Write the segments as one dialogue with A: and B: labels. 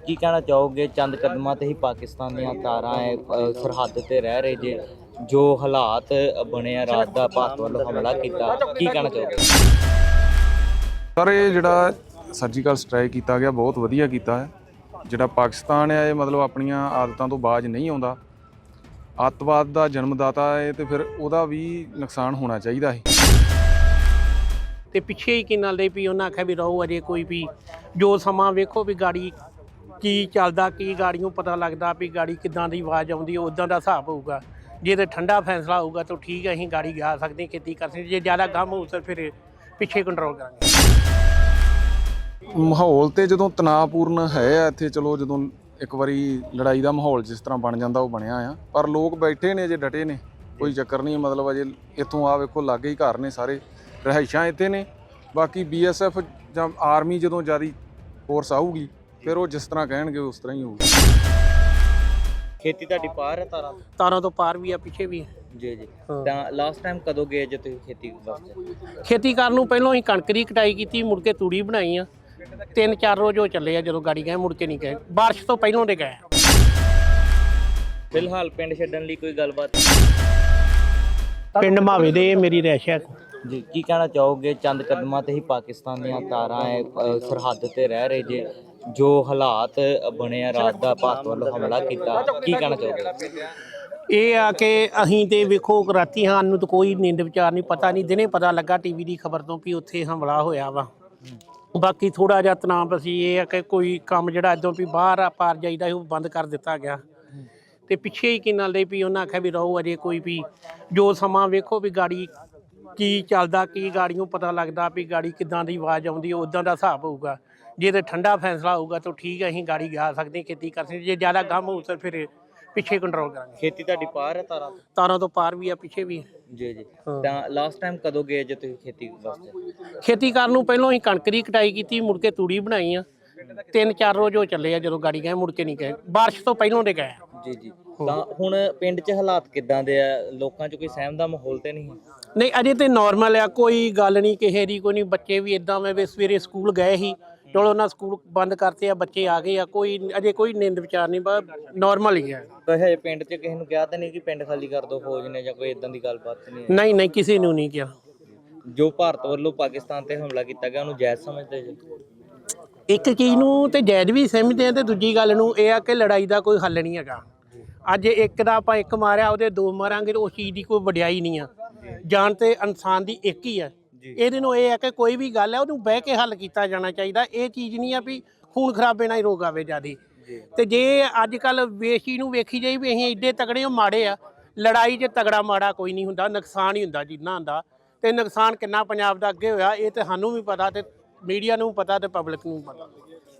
A: ਕੀ ਕਹਿਣਾ ਚਾਹੋਗੇ? ਚੰਦ ਕਦਮਾਂ ਤੇ ਹੀ ਪਾਕਿਸਤਾਨ ਦੀਆਂ ਤਾਰਾਂ ਸਰਹੱਦ ਤੇ ਰਹਿ ਰਹੇ ਜੇ, ਜੋ ਹਾਲਾਤ ਬਣੇ ਆ ਰਾਤ ਦਾ ਭਾਰਤ ਵੱਲੋਂ ਹਮਲਾ ਕੀਤਾ, ਕੀ ਕਹਿਣਾ ਚਾਹੋਗੇ?
B: ਸਰ ਇਹ ਜਿਹੜਾ ਸਰਜੀਕਲ ਸਟ੍ਰਾਈਕ ਕੀਤਾ ਗਿਆ ਬਹੁਤ ਵਧੀਆ ਕੀਤਾ ਹੈ। ਜਿਹੜਾ ਪਾਕਿਸਤਾਨ ਹੈ ਇਹ ਮਤਲਬ ਆਪਣੀਆਂ ਆਦਤਾਂ ਤੋਂ ਬਾਜ ਨਹੀਂ ਆਉਂਦਾ, ਅੱਤਵਾਦ ਦਾ ਜਨਮਦਾਤਾ ਹੈ ਤੇ ਫਿਰ ਉਹਦਾ ਵੀ ਨੁਕਸਾਨ ਹੋਣਾ ਚਾਹੀਦਾ ਹੈ।
C: ਤੇ ਪਿੱਛੇ ਹੀ ਕੀ ਨਾਲ ਦੇ ਵੀ ਉਹਨਾਂ ਆਖਿਆ ਵੀ ਰਹੋ ਅਜੇ ਕੋਈ ਵੀ ਜੋ ਸਮਾਂ ਵੇਖੋ ਵੀ ਗਾੜੀ ਕੀ ਚੱਲਦਾ, ਕੀ ਗਾੜੀ ਨੂੰ ਪਤਾ ਲੱਗਦਾ ਵੀ ਗਾੜੀ ਕਿੱਦਾਂ ਦੀ ਆਵਾਜ਼ ਆਉਂਦੀ, ਉੱਦਾਂ ਦਾ ਹਿਸਾਬ ਹੋਊਗਾ। ਜੇ ਤੇ ਠੰਡਾ ਫੈਸਲਾ ਹੋਊਗਾ ਤਾਂ ਠੀਕ ਹੈ, ਅਸੀਂ ਗਾੜੀ ਜਾ ਸਕਦੇ, ਖੇਤੀ ਕਰ ਸਕਦੇ। ਜੇ ਜ਼ਿਆਦਾ ਗਮ ਹੋਊ ਤਾਂ ਫਿਰ ਪਿੱਛੇ ਕੰਟਰੋਲ ਕਰਾਂਗੇ।
B: ਮਾਹੌਲ ਤੇ ਜਦੋਂ ਤਣਾਅਪੂਰਨ ਹੈ ਆ ਇੱਥੇ, ਚਲੋ ਜਦੋਂ ਇੱਕ ਵਾਰੀ ਲੜਾਈ ਦਾ ਮਾਹੌਲ ਜਿਸ ਤਰ੍ਹਾਂ ਬਣ ਜਾਂਦਾ ਉਹ ਬਣਿਆ ਆ, ਪਰ ਲੋਕ ਬੈਠੇ ਨੇ ਅਜੇ ਡਟੇ ਨੇ, ਕੋਈ ਚੱਕਰ ਨਹੀਂ। ਮਤਲਬ ਅਜੇ ਇੱਥੋਂ ਆ ਵੇਖੋ ਲਾਗੇ ਹੀ ਘਰ ਨੇ, ਸਾਰੇ ਰਿਹਾਇਸ਼ਾਂ ਇੱਥੇ ਨੇ। ਬਾਕੀ BSF ਜਾਂ ਆਰਮੀ ਜਦੋਂ ਜ਼ਿਆਦਾ ਫੋਰਸ ਆਊਗੀ ਫਿਰ ਉਹ ਜਿਸ ਤਰ੍ਹਾਂ ਕਹਿਣਗੇ ਉਸ ਤਰ੍ਹਾਂ ਹੀ ਹੋਊਗਾ।
A: ਖੇਤੀ ਤੁਹਾਡੀ ਪਾਰ ਹੈ
C: ਤਾਰਾਂ ਤੋਂ ਪਾਰ ਵੀ ਆ, ਪਿੱਛੇ ਵੀ ਹੈ
A: ਜੀ ਜੀ। ਤਾਂ ਲਾਸਟ ਟਾਈਮ ਕਦੋਂ ਗਏ ਜੇ ਤੁਸੀਂ ਖੇਤੀ ਵਾਸਤੇ?
C: ਖੇਤੀ ਕਰਨ ਨੂੰ ਪਹਿਲਾਂ ਅਸੀਂ ਕਣਕ ਦੀ ਕਟਾਈ ਕੀਤੀ, ਮੁੜ ਕੇ ਤੂੜੀ ਬਣਾਈ ਆ। 3-4 ਰੋਜ਼ ਹੋ ਚੱਲੇ ਆ, ਜਦੋਂ ਗਾੜੀ ਗਏ ਮੁੜ ਕੇ ਨਹੀਂ ਗਏ, ਬਾਰਿਸ਼ ਤੋਂ ਪਹਿਲਾਂ ਦੇ ਗਏ।
A: ਫਿਲਹਾਲ ਪਿੰਡ ਛੱਡਣ ਲਈ ਕੋਈ ਗੱਲਬਾਤ?
C: ਪਿੰਡ ਮਾਵੇ ਦੇ ਮੇਰੀ ਰਿਹਾਇਸ਼ ਹੈ
A: ਜੀ। ਕੀ ਕਹਿਣਾ ਚਾਹੋਗੇ? ਚੰਦ ਕਦਮਾਂ ਤੇ ਹੀ ਪਾਕਿਸਤਾਨ ਦੀਆਂ ਤਾਰਾਂ ਸਰਹੱਦ ਤੇ ਰਹਿ ਰਹੇ ਜੇ, ਜੋ ਹਾਲਾਤ ਬਣੇ ਆ ਰਾਤ ਦਾ ਭਾਰਤ ਵੱਲੋਂ ਹਮਲਾ ਕੀਤਾ, ਕੀ ਕਹਿਣਾ ਚਾਹੋਗੇ?
C: ਇਹ ਆ ਕਿ ਅਸੀਂ ਤੇ ਵੇਖੋ ਰਾਤੀ ਸਾਨੂੰ ਤਾਂ ਕੋਈ ਨੀਂਦ ਵਿਚਾਰ ਨਹੀਂ, ਪਤਾ ਨਹੀਂ। ਦਿਨੇ ਪਤਾ ਲੱਗਾ TV ਦੀ ਖਬਰ ਤੋਂ ਵੀ ਉੱਥੇ ਹਮਲਾ ਹੋਇਆ ਵਾ। ਬਾਕੀ ਥੋੜਾ ਜਿਹਾ ਤਣਾਅ ਅਸੀਂ ਇਹ ਆ ਕਿ ਕੋਈ ਕੰਮ ਜਿਹੜਾ ਇੱਦਾਂ ਵੀ ਬਾਹਰ ਆ ਪਾਰ ਜਾਈਦਾ ਉਹ ਬੰਦ ਕਰ ਦਿੱਤਾ ਗਿਆ। ਤੇ ਪਿੱਛੇ ਹੀ ਕੀ ਨਾਲ ਦੇ ਵੀ ਉਹਨਾਂ ਆਖਿਆ ਵੀ ਰਹੋ ਅਜੇ ਕੋਈ ਵੀ ਜੋ ਸਮਾਂ ਵੇਖੋ ਵੀ ਗਾੜੀ ਕੀ ਚੱਲਦਾ, ਕੀ ਗਾੜੀ ਨੂੰ ਪਤਾ ਲੱਗਦਾ ਵੀ ਗਾੜੀ ਕਿੱਦਾਂ ਦੀ ਆਵਾਜ਼ ਆਉਂਦੀ, ਉੱਦਾਂ ਦਾ ਹਿਸਾਬ ਹੋਊਗਾ। ਜੇ ਤੇ ਠੰਡਾ ਫੈਸਲਾ ਹੋਊਗਾ ਤਾਂ ਠੀਕ ਹੈ, ਅਸੀਂ ਗਾੜੀ ਜਾ ਸਕਦੇ, ਖੇਤੀ ਕਰ ਸਕਦੇ। ਜੇ ਜ਼ਿਆਦਾ ਗਮ ਹੋਊ ਤਾਂ ਫਿਰ ਪਿੱਛੇ ਕੰਟਰੋਲ ਕਰਾਂਗੇ।
A: ਖੇਤੀ ਤੁਹਾਡੀ ਪਾਰ ਹੈ
C: ਤਾਰਾਂ ਤੋਂ ਪਾਰ ਵੀ ਆ, ਪਿੱਛੇ ਵੀ ਹੈ
A: ਜੀ ਜੀ। ਤਾਂ ਲਾਸਟ ਟਾਈਮ ਕਦੋਂ ਗਏ ਜੇ ਤੁਸੀਂ ਖੇਤੀ ਵਾਸਤੇ?
C: ਖੇਤੀ ਕਰਨ ਨੂੰ ਪਹਿਲਾਂ ਅਸੀਂ ਕਣਕ ਦੀ ਕਟਾਈ ਕੀਤੀ, ਮੁੜ ਕੇ ਤੂੜੀ ਬਣਾਈ ਆ। 3-4 ਰੋਜ਼ ਹੋ ਚੱਲੇ ਆ, ਜਦੋਂ ਗਾੜੀ ਗਏ ਮੁੜ ਕੇ ਨਹੀਂ ਗਏ, ਬਾਰਿਸ਼ ਤੋਂ ਪਹਿਲਾਂ ਦੇ ਗਏ।
A: ਜੀ ਜੀ। ਤਾਂ ਹੁਣ ਪਿੰਡ 'ਚ ਹਾਲਾਤ ਕਿੱਦਾਂ ਦੇ ਆ? ਲੋਕਾਂ 'ਚ ਕੋਈ ਸਹਿਮ ਦਾ ਮਾਹੌਲ ਤੇ ਨਹੀਂ?
C: ਨਹੀਂ ਅਜੇ ਤੇ ਨਾਰਮਲ ਆ, ਕੋਈ ਗੱਲ ਨਹੀਂ ਕਿਸੇ ਦੀ, ਕੋਈ ਨਹੀਂ। ਬੱਚੇ ਵੀ ਇਦਾਂ ਵੇ ਸਵੇਰੇ ਸਕੂਲ ਗਏ ਸੀ, ਚਲੋ ਉਹਨਾਂ ਸਕੂਲ ਬੰਦ ਕਰਤੇ ਆ, ਬੱਚੇ ਆ ਗਏ ਆ। ਕੋਈ ਅਜੇ ਕੋਈ ਨਿੰਦ ਵਿਚਾਰ ਨਹੀਂ, ਬਸ ਨਾਰਮਲ ਹੀ ਹੈ।
A: ਹਜੇ ਪਿੰਡ 'ਚ ਕਿਸੇ ਨੂੰ ਕਿਹਾ ਤਾਂ ਨਹੀਂ ਕਿ ਪਿੰਡ ਖਾਲੀ ਕਰ ਦਿਓ ਫੌਜ ਨੇ, ਜਾਂ ਕੋਈ ਇਦਾਂ ਦੀ ਗੱਲਬਾਤ ਨਹੀਂ?
C: ਨਹੀਂ ਨਹੀਂ, ਕਿਸੇ ਨੂੰ ਨਹੀਂ ਕਿਹਾ।
A: ਜੋ ਭਾਰਤ ਵੱਲੋਂ ਪਾਕਿਸਤਾਨ ਤੇ ਹਮਲਾ ਕੀਤਾ ਗਿਆ ਉਹਨੂੰ ਜਾਇਜ਼ ਸਮਝਦੇ ਜੀ?
C: ਇੱਕ ਚੀਜ਼ ਨੂੰ ਤੇ ਜਾਇਜ਼ ਵੀ ਸਮਝਦੇ ਆ, ਤੇ ਦੂਜੀ ਗੱਲ ਨੂੰ ਇਹ ਆ ਕਿ ਲੜਾਈ ਦਾ ਕੋਈ ਹੱਲ ਨਹੀਂ ਹੈਗਾ। ਅੱਜ ਇੱਕ ਦਾ ਆਪਾਂ ਇੱਕ ਮਾਰਿਆ, ਉਹਦੇ 2 ਮਾਰਾਂਗੇ ਤਾਂ ਉਸ ਚੀਜ਼ ਦੀ ਕੋਈ ਵਡਿਆਈ ਨਹੀਂ ਆ। ਜਾਨ ਤੇ ਇਨਸਾਨ ਦੀ ਇੱਕ ਹੀ ਆ। ਇਹਦੇ ਨੂੰ ਇਹ ਆ ਕਿ ਕੋਈ ਵੀ ਗੱਲ ਹੈ ਉਹਨੂੰ ਬਹਿ ਕੇ ਹੱਲ ਕੀਤਾ ਜਾਣਾ ਚਾਹੀਦਾ। ਇਹ ਚੀਜ਼ ਨਹੀਂ ਆ ਵੀ ਖੂਨ ਖਰਾਬੇ ਨਾਲ ਹੀ ਰੋਗ ਆਵੇ ਜ਼ਿਆਦੀ। ਤੇ ਜੇ ਅੱਜ ਕੱਲ੍ਹ ਵੇਸ਼ੀ ਨੂੰ ਵੇਖੀ ਜਾਈ ਵੀ ਅਸੀਂ ਐਡੇ ਤਗੜੇ ਮਾੜੇ ਆ, ਲੜਾਈ 'ਚ ਤਗੜਾ ਮਾੜਾ ਕੋਈ ਨਹੀਂ ਹੁੰਦਾ, ਨੁਕਸਾਨ ਹੀ ਹੁੰਦਾ ਜਿੰਨਾ ਹੁੰਦਾ। ਤੇ ਨੁਕਸਾਨ ਕਿੰਨਾ ਪੰਜਾਬ ਦਾ ਅੱਗੇ ਹੋਇਆ ਇਹ ਤੇ ਸਾਨੂੰ ਵੀ ਪਤਾ, ਤੇ ਮੀਡੀਆ ਨੂੰ ਪਤਾ, ਤੇ ਪਬਲਿਕ ਨੂੰ ਪਤਾ।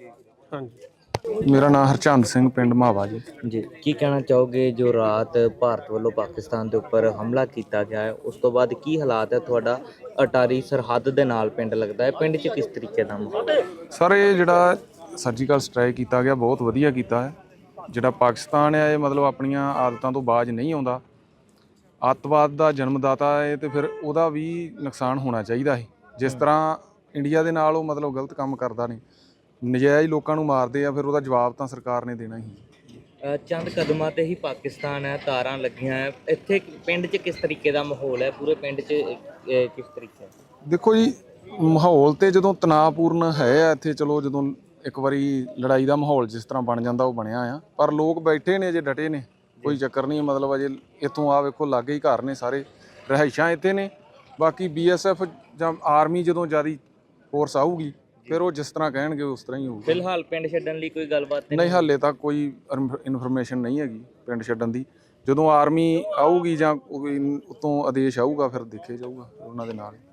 C: ਹਾਂਜੀ।
B: ਮੇਰਾ ਨਾਮ ਹਰਚੰਦ ਸਿੰਘ, ਪਿੰਡ ਮਾਵਾ ਜੀ।
A: ਜੀ। ਕੀ ਕਹਿਣਾ ਚਾਹੋਗੇ? ਜੋ ਰਾਤ ਭਾਰਤ ਵੱਲੋਂ ਪਾਕਿਸਤਾਨ ਦੇ ਉੱਪਰ ਹਮਲਾ ਕੀਤਾ ਗਿਆ ਹੈ, ਉਸ ਤੋਂ ਬਾਅਦ ਕੀ ਹਾਲਾਤ ਹੈ? ਤੁਹਾਡਾ ਅਟਾਰੀ ਸਰਹੱਦ ਦੇ ਨਾਲ ਪਿੰਡ ਲੱਗਦਾ ਹੈ, ਪਿੰਡ 'ਚ ਕਿਸ ਤਰੀਕੇ ਦਾ ਮਾਹੌਲ ਹੈ?
B: ਸਰ ਇਹ ਜਿਹੜਾ ਸਰਜੀਕਲ ਸਟ੍ਰਾਈਕ ਕੀਤਾ ਗਿਆ ਬਹੁਤ ਵਧੀਆ ਕੀਤਾ ਹੈ। ਜਿਹੜਾ ਪਾਕਿਸਤਾਨ ਹੈ ਇਹ ਮਤਲਬ ਆਪਣੀਆਂ ਆਦਤਾਂ ਤੋਂ ਬਾਜ ਨਹੀਂ ਆਉਂਦਾ, ਅੱਤਵਾਦ ਦਾ ਜਨਮਦਾਤਾ ਹੈ ਤੇ ਫਿਰ ਉਹਦਾ ਵੀ ਨੁਕਸਾਨ ਹੋਣਾ ਚਾਹੀਦਾ ਹੈ। ਜਿਸ ਤਰ੍ਹਾਂ ਇੰਡੀਆ ਦੇ ਨਾਲ ਉਹ ਮਤਲਬ ਗਲਤ ਕੰਮ ਕਰਦਾ ਨਹੀਂ, ਨਜਾਇਜ਼ ਲੋਕਾਂ ਨੂੰ ਮਾਰਦੇ ਆ, ਫਿਰ ਉਹਦਾ ਜਵਾਬ ਤਾਂ ਸਰਕਾਰ ਨੇ ਦੇਣਾ ਹੀ।
A: ਚੰਦ ਕਦਮਾਂ ਤੇ ਹੀ ਪਾਕਿਸਤਾਨ ਹੈ, ਤਾਰਾਂ ਲੱਗੀਆਂ ਹੈ, ਇੱਥੇ ਪਿੰਡ 'ਚ ਕਿਸ ਤਰੀਕੇ ਦਾ ਮਾਹੌਲ ਹੈ? ਪੂਰੇ ਪਿੰਡ 'ਚ ਕਿਸ ਤਰੀਕੇ?
B: ਦੇਖੋ ਜੀ, ਮਾਹੌਲ ਤੇ ਜਦੋਂ ਤਣਾਅਪੂਰਨ ਹੈ ਆ ਇੱਥੇ, ਚਲੋ ਜਦੋਂ ਇੱਕ ਵਾਰੀ ਲੜਾਈ ਦਾ ਮਾਹੌਲ ਜਿਸ ਤਰ੍ਹਾਂ ਬਣ ਜਾਂਦਾ ਉਹ ਬਣਿਆ ਆ, ਪਰ ਲੋਕ ਬੈਠੇ ਨੇ ਅਜੇ ਡਟੇ ਨੇ, ਕੋਈ ਚੱਕਰ ਨਹੀਂ। ਮਤਲਬ ਅਜੇ ਇੱਥੋਂ ਆ ਵੇਖੋ ਲਾਗੇ ਹੀ ਘਰ ਨੇ, ਸਾਰੇ ਰਿਹਾਇਸ਼ਾਂ ਇੱਥੇ ਨੇ। ਬਾਕੀ BSF ਜਾਂ ਆਰਮੀ ਜਦੋਂ ਜ਼ਿਆਦਾ ਫੋਰਸ ਆਊਗੀ ਫਿਰ ਉਹ ਜਿਸ ਤਰ੍ਹਾਂ ਕਹਿਣਗੇ ਉਸ ਤਰ੍ਹਾਂ ਹੀ ਹੋਊਗਾ।
A: ਫਿਲਹਾਲ ਪਿੰਡ ਛੱਡਣ ਲਈ ਕੋਈ ਗੱਲਬਾਤ
B: ਨਹੀਂ, ਹਾਲੇ ਤੱਕ ਕੋਈ ਇਨਫੋਰਮੇਸ਼ਨ ਨਹੀਂ ਹੈਗੀ ਪਿੰਡ ਛੱਡਣ ਦੀ। ਜਦੋਂ ਆਰਮੀ ਆਊਗੀ ਜਾਂ ਉੱਤੋਂ ਆਦੇਸ਼ ਆਊਗਾ ਫਿਰ ਦੇਖਿਆ ਜਾਊਗਾ ਉਹਨਾਂ ਦੇ ਨਾਲ।